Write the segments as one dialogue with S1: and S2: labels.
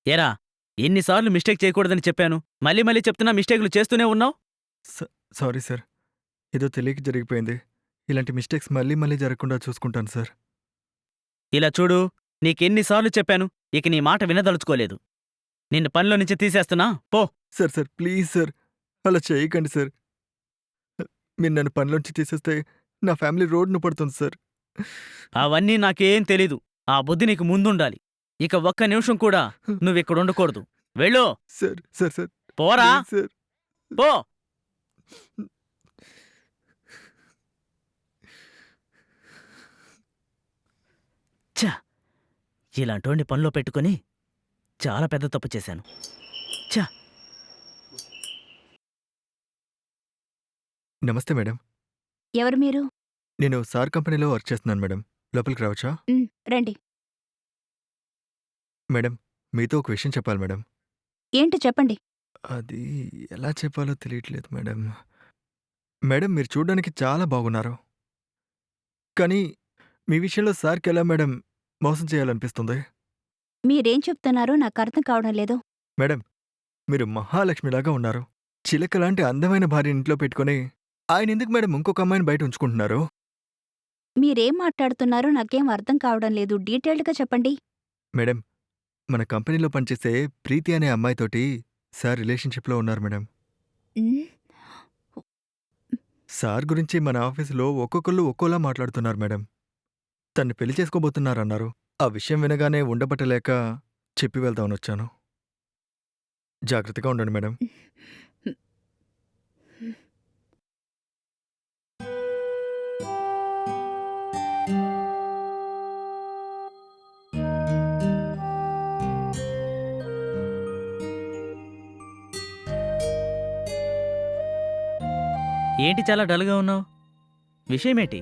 S1: ఏరా, ఎన్నిసార్లు మిస్టేక్ చేయకూడదని చెప్పాను. మళ్ళీ మళ్ళీ చెప్తున్నా మిస్టేక్‌లు చేస్తూనే ఉన్నావు.
S2: స సారీ సార్. ఏదో తెలియక జరిగిపోయింది. ఇలాంటి మిస్టేక్స్ మళ్ళీ మళ్ళీ జరగకుండా చూసుకుంటాను సార్.
S1: ఇలా చూడు, నీకెన్నిసార్లు చెప్పాను. ఇక నీ మాట వినదలుచుకోలేదు. నిన్ను పనిలో నుంచి తీసేస్తున్నా. పో.
S2: Sir please sir. అలా చేయకండి సార్. మీరు నన్ను పనిలోంచి తీసేస్తే నా ఫ్యామిలీ రోడ్డున పడుతుంది సార్.
S1: అవన్నీ నాకేం తెలీదు. ఆ బుద్ధి నీకు ముందుండాలి. ఇక ఒక్క నిమిషం కూడా నువ్విక్కడుండకూడదు. వెళ్ళు.
S2: సార్
S1: పోరా.
S2: Please sir.
S1: పో. ఛ! ఇలాంటోడిని పనిలో పెట్టుకొని చాలా పెద్ద తప్పు చేశాను. ఛ!
S2: నమస్తే మేడం.
S3: ఎవరు మీరు?
S2: నేను సార్ కంపెనీలో వర్క్ చేస్తున్నాను మేడం. లోపలికి రావచ్చా?
S3: రండి.
S2: మేడం, మీతో ఒక విషయం చెప్పాలి మేడం.
S3: ఏంటి చెప్పండి.
S2: అది ఎలా చెప్పాలో తెలియట్లేదు మేడం. మేడం, మీరు చూడ్డానికి చాలా బాగున్నారు. కానీ మీ విషయంలో సార్‌కెలా మేడం మోసం చేయాలనిపిస్తుంది?
S3: మీరేం చెప్తున్నారో నాకర్థం కావడం లేదు.
S2: మేడం, మీరు మహాలక్ష్మిలాగా ఉన్నారు. చిలకలాంటి అందమైన భార్యని ఇంట్లో పెట్టుకొని ఆయనెందుకు మేడం ఇంకొక అమ్మాయిని బయట ఉంచుకుంటున్నారు?
S3: మీరేం మాట్లాడుతున్నారో నాకేం అర్థం కావడం లేదు. డీటెయిల్డ్‌గా చెప్పండి.
S2: మేడం, మన కంపెనీలో పనిచేసే ప్రీతి అనే అమ్మాయితోటి సార్ రిలేషన్‌షిప్‌లో ఉన్నారు మేడం.
S3: హ్మ్.
S2: సార్ గురించి మన ఆఫీసులో ఒక్కొక్కళ్ళు ఒక్కోలా మాట్లాడుతున్నారు మేడం. తన్ని పెళ్లి చేసుకోబోతున్నారన్నారు. ఆ విషయం వినగానే ఉండబట్టలేక చెప్పి వెళ్దామనొచ్చాను. జాగ్రత్తగా ఉండండి మేడం.
S1: ఏంటి చాలా డల్‌గా ఉన్నావు? విషయమేంటి?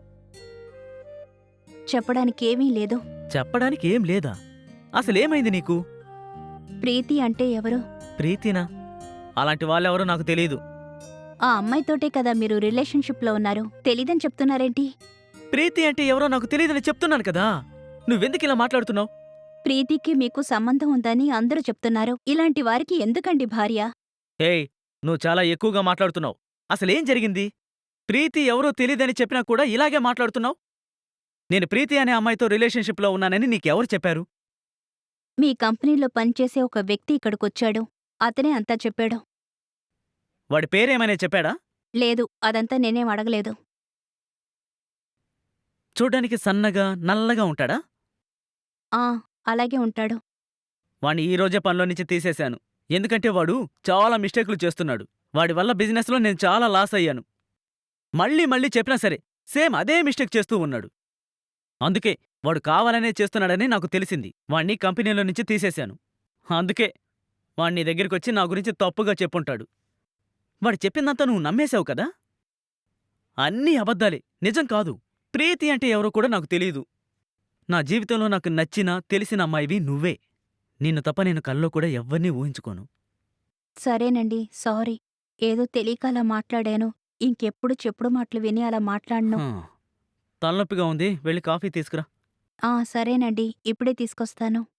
S3: చెప్పడానికేమీ లేదు.
S1: చెప్పడానికి ఏం లేదా? అసలేమైంది నీకు?
S3: ప్రీతి అంటే ఎవరు?
S1: ప్రీతినా? అలాంటి వాళ్ళెవరో నాకు తెలీదు.
S3: ఆ అమ్మాయితోటే కదా మీరు రిలేషన్‌షిప్‌లో ఉన్నారు. తెలీదని చెప్తున్నారేంటి?
S1: ప్రీతి అంటే ఎవరో నాకు తెలీదని చెప్తున్నాను కదా! నువ్వెందుకిలా మాట్లాడుతున్నావు?
S3: ప్రీతికి మీకు సంబంధం ఉందని అందరూ చెప్తున్నారు. ఇలాంటి వారికి ఎందుకండి భార్య?
S1: ఏయ్! నువ్వు చాలా ఎక్కువగా మాట్లాడుతున్నావు. అసలేం జరిగింది? ప్రీతి ఎవరో తెలీదని చెప్పినా కూడా ఇలాగే మాట్లాడుతున్నావు? నేను ప్రీతి అనే అమ్మాయితో రిలేషన్‌షిప్‌లో ఉన్నానని నీకెవరు చెప్పారు?
S3: మీ కంపెనీలో పనిచేసే ఒక వ్యక్తి ఇక్కడికొచ్చాడు. అతనే అంతా చెప్పాడు.
S1: వాడి పేరేమైనా చెప్పాడా?
S3: లేదు, అదంతా నేనేం అడగలేదు.
S1: చూడ్డానికి సన్నగా, నల్లగా ఉంటాడా?
S3: ఆ, అలాగే ఉంటాడు.
S1: వాణ్ణి ఈ రోజే పనిలో నుంచి తీసేశాను. ఎందుకంటే వాడు చాలా మిస్టేకులు చేస్తున్నాడు. వాడి వల్ల బిజినెస్‌లో నేను చాలా లాస్ అయ్యాను. మళ్ళీ మళ్ళీ చెప్పినా సరే, సేమ్ అదే మిస్టేక్ చేస్తూ ఉన్నాడు. అందుకే వాడు కావాలనే చేస్తున్నాడని నాకు తెలిసింది. వాణ్ణి కంపెనీలో నుంచి తీసేశాను. అందుకే వాణ్ణి దగ్గరికొచ్చి నా గురించి తప్పుగా చెప్పుంటాడు. వాడు చెప్పిందంతా నువ్వు నమ్మేశావు కదా? అన్నీ అబద్ధాలే, నిజం కాదు. ప్రీతి అంటే ఎవరో కూడా నాకు తెలీదు. నా జీవితంలో నాకు నచ్చిన, తెలిసిన అమ్మాయివి నువ్వే. నిన్ను తప్ప నేను కల్లో కూడా ఎవ్వరినీ ఊహించుకోను.
S3: సరేనండి, సారీ. ఏదో తెలియక అలా మాట్లాడాను. ఇంకెప్పుడు చెప్పుడు మాటలు విని అలా మాట్లాడను.
S1: హా. తలనొప్పిగా ఉంది, వెళ్ళి కాఫీ తీసుకురా.
S3: సరేనండి, ఇప్పుడే తీసుకొస్తాను.